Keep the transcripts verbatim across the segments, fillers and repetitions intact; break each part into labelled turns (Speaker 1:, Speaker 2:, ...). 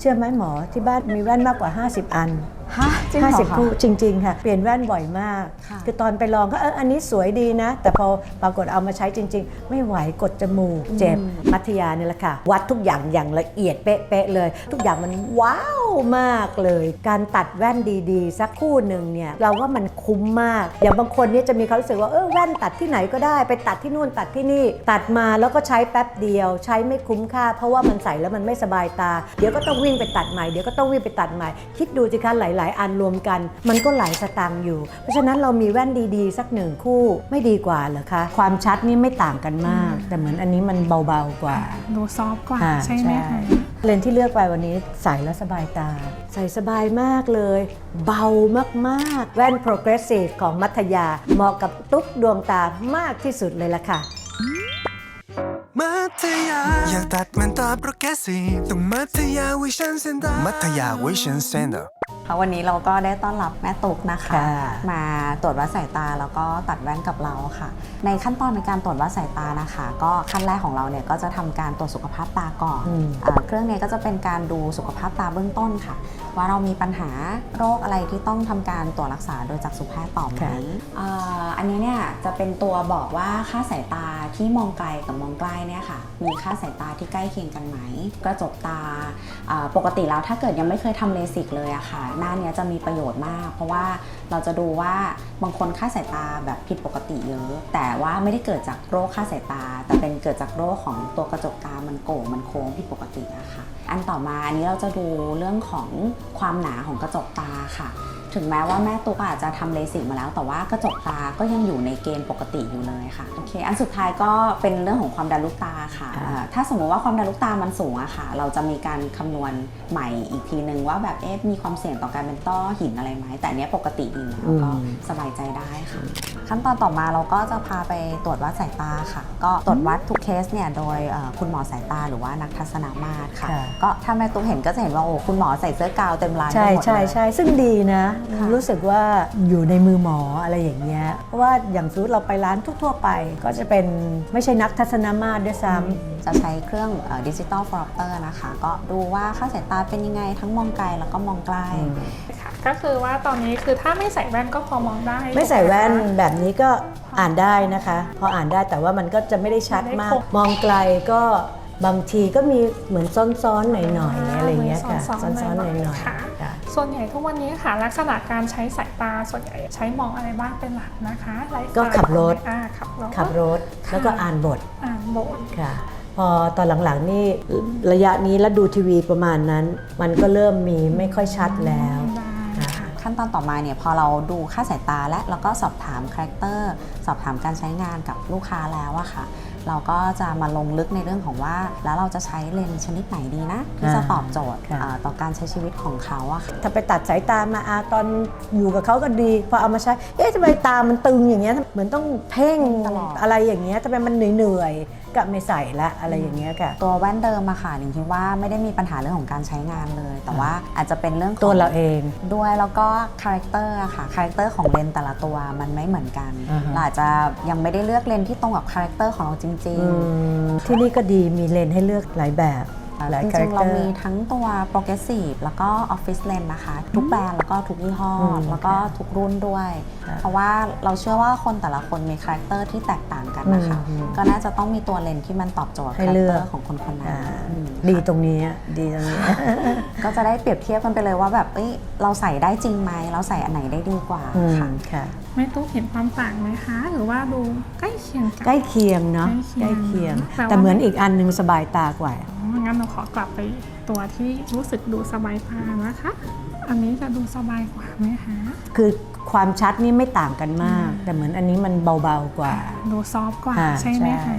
Speaker 1: ชื่อไหมหมอที่บ้านมีแว่นมากกว่าห้าสิบอัน
Speaker 2: ฮะจริงเหรอคะ
Speaker 1: ห้าสิบคู่จริงๆค่ะเปลี่ยนแว่นบ่อยมากคือตอนไปลองก็เอออันนี้สวยดีนะแต่พอปรากฏเอามาใช้จริงๆไม่ไหวกดจมูกเจ็บมัธยาเนี่ยแหละค่ะวัดทุกอย่างอย่างละเอียดเป๊ะๆเลยทุกอย่างมันว้าวมากเลยการตัดแว่นดีๆสักคู่หนึ่งเนี่ยเราว่ามันคุ้มมากอย่างบางคนเนี่ยจะมีความรู้สึกว่าเออแว่นตัดที่ไหนก็ได้ไปตัดที่นู่นตัดที่นี่ตัดมาแล้วก็ใช้แป๊บเดียวใช้ไม่คุ้มค่าเพราะว่ามันใส่แล้วมันไม่สบายตาเดี๋ยวก็ต้องวิ่งไปตัดใหม่เดี๋ยวก็ต้องวิ่งไปตัดใหม่คิดดูสิคะหลายๆอันรวมกันมันก็หลายสตางค์อยู่เพราะฉะนั้นเรามีแว่นดีๆสักหนึ่งคู่ไม่ดีกว่าเหรอคะความชัดนี่ไม่ต่างกันมากแต่เหมือนอันนี้มันเบาๆกว่า
Speaker 3: ดูซอฟต์กว่าใช่ไหมคะ
Speaker 1: เลนส์ที่เลือกไปวันนี้ใส่แล้วสบายตาใส่สบายมากเลยเบามากๆแว่น Progressive ของมัธยาเหมาะกับตุ๊กดวงตามากที่สุดเลยล่ะค่ะ
Speaker 4: มัธยาอยากตัดมันตา Progressive ต้องมัธยา Vision Center มัธยา Vision Center
Speaker 2: วันนี้เราก็ได้ต้อนรับแม่ตุ๊กนะคะมาตรวจวัดสายตาแล้วก็ตัดแว่นกับเราค่ะในขั้นตอนในการตรวจวัดสายตานะคะก็ขั้นแรกของเราเนี่ยก็จะทำการตรวจสุขภาพตาก่อนเครื่องนี้ก็จะเป็นการดูสุขภาพตาเบื้องต้นค่ะว่าเรามีปัญหาโรคอะไรที่ต้องทำการตรวจรักษาโดยจักษุแพทย์ต่อไหมอันนี้เนี่ยจะเป็นตัวบอกว่าค่าสายตาที่มองไกลกับมองใกล้เนี่ยค่ะมีค่าสายตาที่ใกล้เคียงกันไหมกระจกตาปกติแล้วถ้าเกิดยังไม่เคยทำเลสิกเลยอะค่ะหน้านี้จะมีประโยชน์มากเพราะว่าเราจะดูว่าบางคนค่าสายตาแบบผิดปกติเยอะแต่ว่าไม่ได้เกิดจากโรคค่าสายตาแต่เป็นเกิดจากโรคของตัวกระจกตามันโก่งมันโค้งผิดปกติอะค่ะอันต่อมาอันนี้เราจะดูเรื่องของความหนาของกระจกตาค่ะถึงแม้ว่าแม่ตุ๊กอาจจะทำเลสิกมาแล้วแต่ว่ากระจกตาก็ยังอยู่ในเกณฑ์ปกติอยู่เลยค่ะโอเคอันสุดท้ายก็เป็นเรื่องของความดันลูกตาค่ะถ้าสมมติว่าความดันลูกตามันสูงอะค่ะเราจะมีการคำนวณใหม่อีกทีนึงว่าแบบเอ๊ะมีความเสี่ยงต่อการเป็นต้อหินอะไรไหมแต่อันนี้ปกติดีแล้วก็สบายใจได้ค่ะขั้นตอนต่อมาเราก็จะพาไปตรวจวัดสายตาค่ะก็ตรวจวัดทุกเคสเนี่ยโดยคุณหมอสายตาหรือว่านักทัศนมาตรค่ะก็ถ้าแม่ตุ๊กเห็นก็จะเห็นว่าโอ้คุณหมอใส่เสื้อกาวเต็มร้านไปหมดเลยใช่
Speaker 1: ใช่ซึ่งดีนะรู้สึกว่าอยู่ในมือหมออะไรอย่างเงี้ยเพราะว่าอย่างสมมติเราไปร้านทั่วๆไปก็จะเป็นไม่ใช่นักทัศนมาตรด้วยซ้ำ
Speaker 2: จะใช้เครื่องดิจิตอลฟอร์เตอร์นะคะก็ดูว่าค่าสายตาเป็นยังไงทั้งมองไกลแล้วก็มองใกล้
Speaker 3: ค่ะก็คือว่าตอนนี้คือถ้าไม่ใส่แว่นก็พอมองได้
Speaker 1: ไม่ใส่แว่นแบบนี้ก็อ่านได้นะคะพออ่านได้แต่ว่ามันก็จะไม่ได้ชัดมากมองไกลก็บางทีก็มีเหมือนซ้อนๆหน่อยๆอะไรเงี้ยค่ะซ้อนๆหน่อย
Speaker 3: ๆส่วนใหญ่ทุกวันนี้ค่ะลักษณะการใช้สายตาส่วนใหญ่ใช้มองอะไรบ้างเป็นหลักนะคะ
Speaker 1: ก็ขับรถ
Speaker 3: ขับรถ
Speaker 1: ขับรถแล้วก็อ่านบท
Speaker 3: อ่านบท
Speaker 1: ค่ะพอตอนหลังๆนี่ระยะนี้แล้วดูทีวีประมาณนั้นมันก็เริ่มมีไม่ค่อยชัดแล้ว
Speaker 2: ขั้นตอนต่อมาเนี่ยพอเราดูค่าสายตาและแล้วก็สอบถามคาแรคเตอร์สอบถามการใช้งานกับลูกค้าแล้วอะค่ะเราก็จะมาลงลึกในเรื่องของว่าแล้วเราจะใช้เลนส์ชนิดไหนดีนะที่จะตอบโจทย์ต่อการใช้ชีวิตของเขาอะค่ะ
Speaker 1: ถ้าไปตัดสายตามาอาตอนอยู่กับเขาก็ดีพอเอามาใช้เอ๊ะทำไมตามันตึงอย่างเงี้ยเหมือนต้องเพ่งตลอดอะไรอย่างเงี้ยทำไมมันเหนื่อยๆก็ไม่ใส่ละอะไรอย่างเงี้ยค่ะ
Speaker 2: ตัวแว่นเดิมอะค่ะหนิงคิดว่าไม่ได้มีปัญหาเรื่องของการใช้งานเลยแต่ว่าอาจจะเป็นเรื่อง
Speaker 1: ตัวเราเอง
Speaker 2: ด้วยแล้วก็คาแรคเตอร์อะค่ะคาแรคเตอร์ของเลนส์แต่ละตัวมันไม่เหมือนกันเราอาจจะยังไม่ได้เลือกเลนส์ที่ตรงกับคาแรคเตอร์ของเราจริงๆ
Speaker 1: ที่นี่ก็ดีมีเลนให้เลือกหลายแบบ
Speaker 2: จริงๆเรามีทั้งตัว Progressive แล้วก็ Office Lens นะคะทุกแบรนด์แล้วก็ทุกยี่ห้อแล้วก็ทุกรุ่นด้วยเพราะว่าเราเชื่อว่าคนแต่ละคนมีคาแรคเตอร์ที่แตกต่างกันนะคะก็น่าจะต้องมีตัวเลนส์ที่มันตอบโจทย์คาแรคเตอร์ของคนคนนั้น
Speaker 1: ดีตรงนี้ดีตรงนี้
Speaker 2: ก็จะได้เปรียบเทียบกันไปเลยว่าแบบเอ้ยเราใส่ได้จริงไหมเราใส่อันไหนได้ดีกว่า
Speaker 3: ค่ะไม่ตุ๊กเห็นความต่างไหมคะหรือว่าดูใกล้เคียง
Speaker 1: ใกล้เคียงเนาะใกล้เคียงแต่เหมือนอีกอันนึงสบายตากว่า
Speaker 3: งั้นเราขอกลับไปตัวที่รู้สึกดูสบายตานะคะอันนี้จะดูสบายกว่าไหมคะ
Speaker 1: คือความชัดนี่ไม่ต่างกันมากแต่เหมือนอันนี้มันเบาๆกว่า
Speaker 3: ดูซอฟต์กว่าใช่ไหมคะ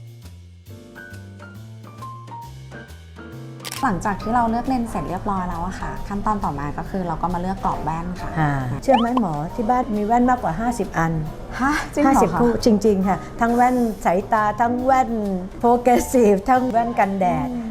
Speaker 2: หลังจากที่เราเลือกเลนส์เสร็จเรียบร้อยแล้วอะค่ะขั้นตอนต่อมาก็คือเราก็มาเลือกกรอบแว่นค่ะ
Speaker 1: เชื่อไหมหมอที่บ้านมีแว่นมากกว่าห้าสิบอัน
Speaker 2: ฮะจริงเหรอคะ
Speaker 1: ห้าสิบคู่จริงๆค่ะทั้งแว่นสายตาทั้งแว่น Progressive ทั้งแว่นกันแดด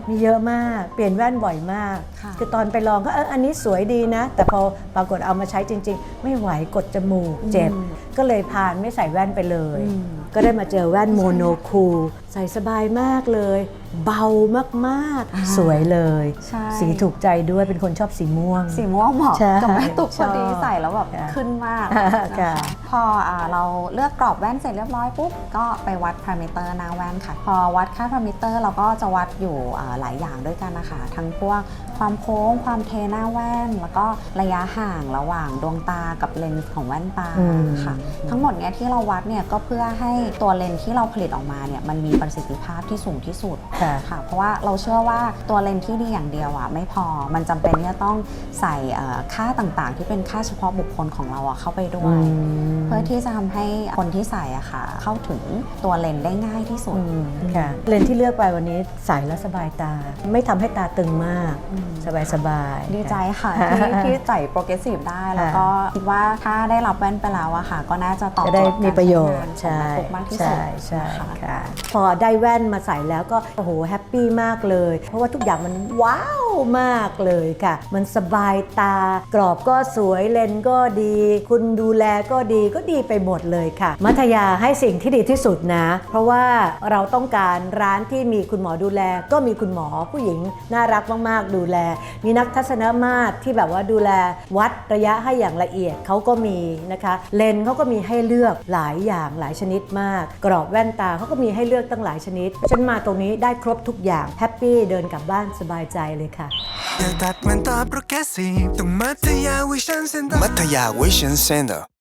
Speaker 1: มีเยอะมากเปลี่ยนแว่นบ่อยมาก
Speaker 2: ค่ะ
Speaker 1: คือตอนไปลองก็เอออันนี้สวยดีนะ แต่พอปรากฏเอามาใช้จริง ๆ ไม่ไหวกดจมูกเจ็บ ก็เลยพานไม่ใส่แว่นไปเลย ก็ได้มาเจอแว่นโมโนคูลใส่สบายมากเลย เบามากๆ สวยเลย
Speaker 2: ใช่
Speaker 1: สีถูกใจด้วยเป็นคนชอบสีม่วง
Speaker 2: สีม่วงเหมาะ
Speaker 1: ใช่
Speaker 2: กับแม่ตุกพอดี
Speaker 1: ชอบ
Speaker 2: ใส่แล้วแบบ
Speaker 1: ค่ะ
Speaker 2: ขึ้นมาก
Speaker 1: ค่ะ
Speaker 2: นะคะพออ่าเราเลือกกรอบแว่นเสร็จเรียบร้อยปุ๊บก็ไปวัดพารามิเตอร์หน้าแว่นค่ะ พอวัดค่าพารามิเตอร์เราก็จะวัดอยู่อ่าหลายอย่างด้วยกันนะคะทั้งพวกความโค้งความเทหน้าแว่น แล้วก็ระยะห่างระหว่างดวงตากับเลนส์ของแว่นตา
Speaker 1: อืม
Speaker 2: ค่ะ ทั้งหมดเนี้ยที่เราวัดเนี่ยก็เพื่อให้ตัวเลนส์ที่เราผลิตออกมาเนี่ยมันมีประสิทธิภาพที่สูงที่สุด
Speaker 1: ค่ะ
Speaker 2: ค่ะเพราะว่าเราเชื่อว่าตัวเลนส์ที่ดีอย่างเดียวอ่ะไม่พอมันจำเป็นที่จะต้องใส่เอ่อค่าต่างๆ ที่เป็นค่าเฉพาะบุคคลของเราอ่ะเข้าไปด้วย เพื่อที่จะทำให้คนที่ใส่อะค่ะเข้าถึงตัวเลนส์ได้ง่ายที่สุด
Speaker 1: อืมค่ะเลนส์ที่เลือกไปวันนี้ใส่แล้วสบายตา ไม่ทำให้ตาตึงมาก สบายสบายๆ
Speaker 2: ดีใจค่ะ
Speaker 1: ค่ะ
Speaker 2: ที่ที่ใส่โปรเกรสซีฟได้ แล้วก็คิดว่าถ้าได้รับแว่นไปแล้วอะค่ะ ก็น่าจะตอบ
Speaker 1: จะ
Speaker 2: โจ
Speaker 1: ได้
Speaker 2: ทย์
Speaker 1: มี
Speaker 2: การ
Speaker 1: ประโย
Speaker 2: ใช้
Speaker 1: ช
Speaker 2: งาน
Speaker 1: น์
Speaker 2: ของ
Speaker 1: ใช่
Speaker 2: แม่ปุ๊กมากที่สุ
Speaker 1: ใช่
Speaker 2: ด
Speaker 1: ใช่
Speaker 2: นะคะ
Speaker 1: ค่ะ พอได้แว่นมาใส่แล้วก็โอ้โหแฮปปี้มากเลย เพราะว่าทุกอย่างมันว้าวมากเลยค่ะ มันสบายตากรอบก็สวยเลนส์ก็ดี คุณดูแลก็ดีก็ดีไปหมดเลยค่ะ มัธยาให้สิ่งที่ดีที่สุดนะ เพราะว่าเราต้องการร้านที่มีคุณหมอดูแล ก็มีคุณหมอผู้หญิงน่ารักมากๆดูแล มีนักทัศนมาตรที่แบบว่าดูแลวัดระยะให้อย่างละเอียดเขาก็มีนะคะเลนส์เขาก็มีให้เลือกหลายอย่างหลายชนิดมาก กรอบแว่นตาเขาก็มีให้เลือกตั้งหลายชนิดฉันมาตรงนี้ได้ครบทุกอย่างแฮปปี้เดินกลับบ้านสบายใจเลยค่ะ
Speaker 4: อยากตัดมันตาโปรแกรสซีฟต้องมัธยาวิชันเซ็นเตอร์มัธยาวิชันเซ็นเตอร์